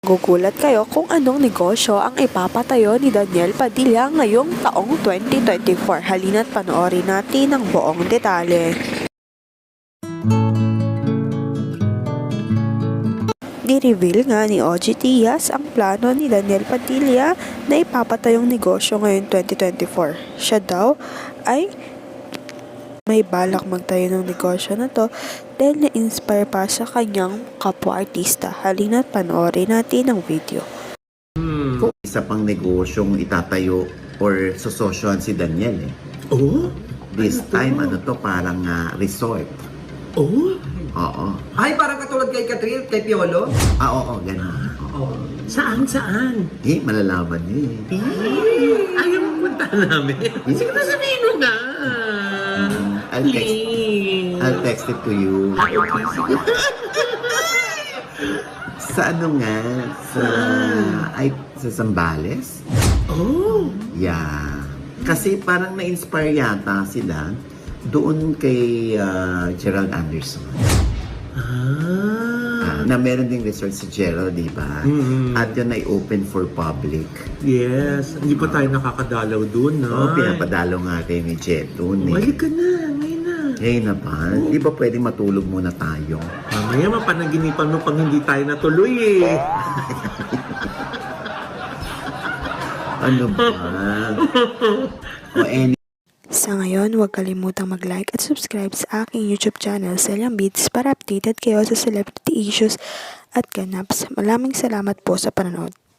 magugulat kayo kung anong negosyo ang ipapatayo ni Daniel Padilla ngayong taong 2024. Halina't panoorin natin ang buong detalye. Ni-reveal nga ni OG Diaz ang plano ni Daniel Padilla na ipapatayong negosyo ngayong 2024. Siya daw ay may balak magtayo ng negosyo na to dahil na-inspire pa sa kanyang kapwa-artista. Halina't panoorin natin ang video. Isa pang negosyong itatayo or sososyohan si Daniel eh. Oh? This time, parang resort. Oh? Oo. Ay, parang katulad kay Katril, kay Piolo? Oo, ganun. Oo. Saan? Malalaman niyo eh. Ayaw mo punta namin. Sige na, sabihin mo na. I'll text it to you. Sa sa Zambales? Oh? Yeah. Kasi parang na-inspire yata sila doon kay Gerald Anderson. Na meron ding resort si Gerald, di ba? Mm-hmm. At yun ay open for public. Yes. Hindi pa tayo nakakadalaw dun, no? Oo, pinapadalo nga kayo ni Jet doon eh. Balik ka na, ngayon na. Ngayon na ba? Di ba pwedeng matulog muna tayo? Mamaya mapanaginipan mo pang hindi tayo natuloy eh. Ano ba? Sa ngayon, huwag kalimutang mag-like at subscribe sa aking YouTube channel, Celian Beats, para updated kayo sa celebrity issues at ganaps. Maraming salamat po sa panonood.